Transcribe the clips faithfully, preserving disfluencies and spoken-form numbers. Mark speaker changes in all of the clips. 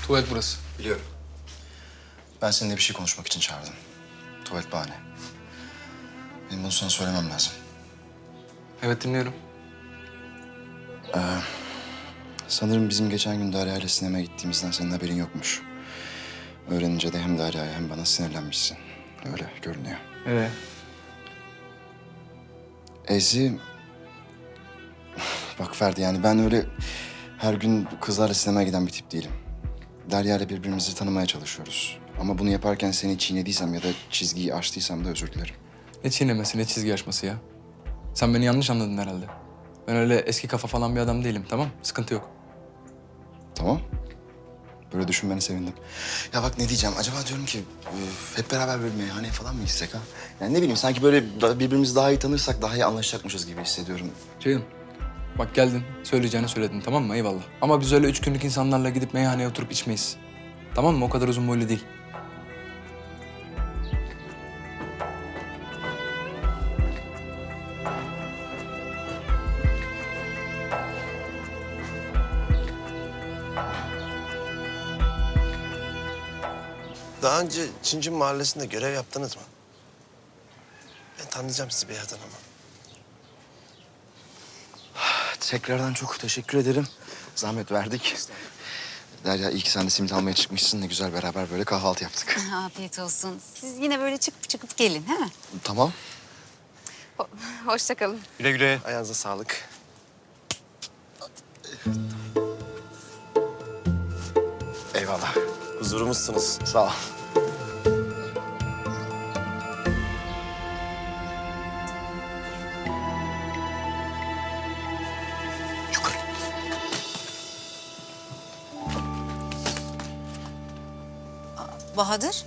Speaker 1: Tuvalet burası.
Speaker 2: Biliyorum. Ben seninle bir şey konuşmak için çağırdım. Tuvalet bahane. Benim bunu sana söylemem lazım.
Speaker 1: Evet, dinliyorum.
Speaker 2: Sanırım bizim geçen gün Derya ile sinemaya gittiğimizden senin haberin yokmuş. Öğrenince de hem Derya'ya hem bana sinirlenmişsin. Öyle görünüyor.
Speaker 1: Ee?
Speaker 2: Ezi... Bak Ferdi, yani ben öyle her gün kızlarla sinemaya giden bir tip değilim. Derya ile birbirimizi tanımaya çalışıyoruz. Ama bunu yaparken seni çiğnediysem ya da çizgiyi aştıysam da özür dilerim.
Speaker 1: Ne çiğnemesi, ne çizgi aşması ya. Sen beni yanlış anladın herhalde. Ben öyle eski kafa falan bir adam değilim, tamam? Sıkıntı yok.
Speaker 2: Tamam. Böyle düşünmene sevindim. Ya bak, ne diyeceğim? Acaba diyorum ki e, hep beraber bir meyhaneye falan mı gitsek ha? Yani ne bileyim, sanki böyle da- birbirimizi daha iyi tanırsak daha iyi anlaşacakmışız gibi hissediyorum.
Speaker 1: Ceyhun, bak geldin, söyleyeceğini söyledin, tamam mı? Eyvallah. Ama biz öyle üç günlük insanlarla gidip meyhaneye oturup içmeyiz. Tamam mı? O kadar uzun boylu değil.
Speaker 3: Daha önce Çincin Mahallesi'nde görev yaptınız mı? Ben tanıyacağım sizi bir yerden ama.
Speaker 2: Tekrardan çok teşekkür ederim. Zahmet verdik. Derya, iyi ki sen de simit almaya çıkmışsın. Ne güzel beraber böyle kahvaltı yaptık.
Speaker 4: Afiyet olsun. Siz yine böyle çıkıp çıkıp gelin, he mi?
Speaker 2: Tamam.
Speaker 4: Ho hoşça kalın.
Speaker 5: Güle güle.
Speaker 3: Ayağınıza sağlık.
Speaker 2: Eyvallah.
Speaker 3: Huzurumuzsunuz.
Speaker 2: Sağ ol. Yukarı.
Speaker 4: Bahadır.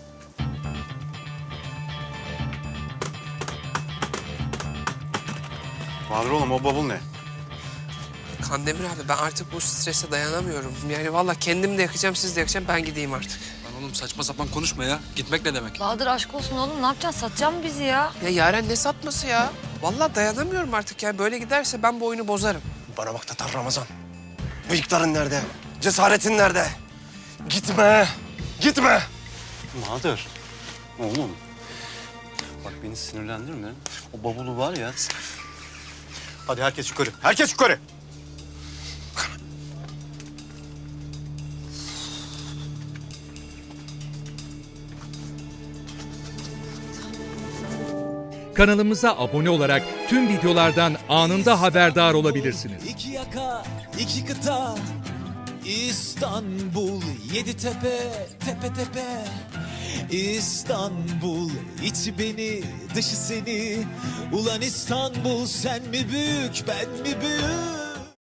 Speaker 5: Bahadır oğlum, o bavul ne?
Speaker 6: Kandemir abi, ben artık bu strese dayanamıyorum. Yani vallahi kendim de yakacağım, siz de yakacağım. Ben gideyim artık.
Speaker 1: Lan oğlum saçma sapan konuşma ya. Gitmek ne demek?
Speaker 7: Bahadır aşk olsun oğlum. Ne yapacaksın? Satacak mı bizi ya?
Speaker 6: Ya Yaren ne satması ya? Vallahi dayanamıyorum artık ya. Böyle giderse ben bu oyunu bozarım.
Speaker 3: Bana bak Tatar Ramazan. Bıyıkların nerede? Cesaretin nerede? Gitme! Gitme!
Speaker 5: Bahadır. Oğlum. Bak beni sinirlendirme. O bavulu var ya. Hadi herkes yukarı. Herkes yukarı.
Speaker 8: Kanalımıza abone olarak tüm videolardan anında haberdar olabilirsiniz.
Speaker 9: İki yaka, iki kıta, İstanbul, yedi tepe, tepe tepe. İstanbul, içi beni, dışı seni. Ulan İstanbul, sen mi büyük, ben mi büyük?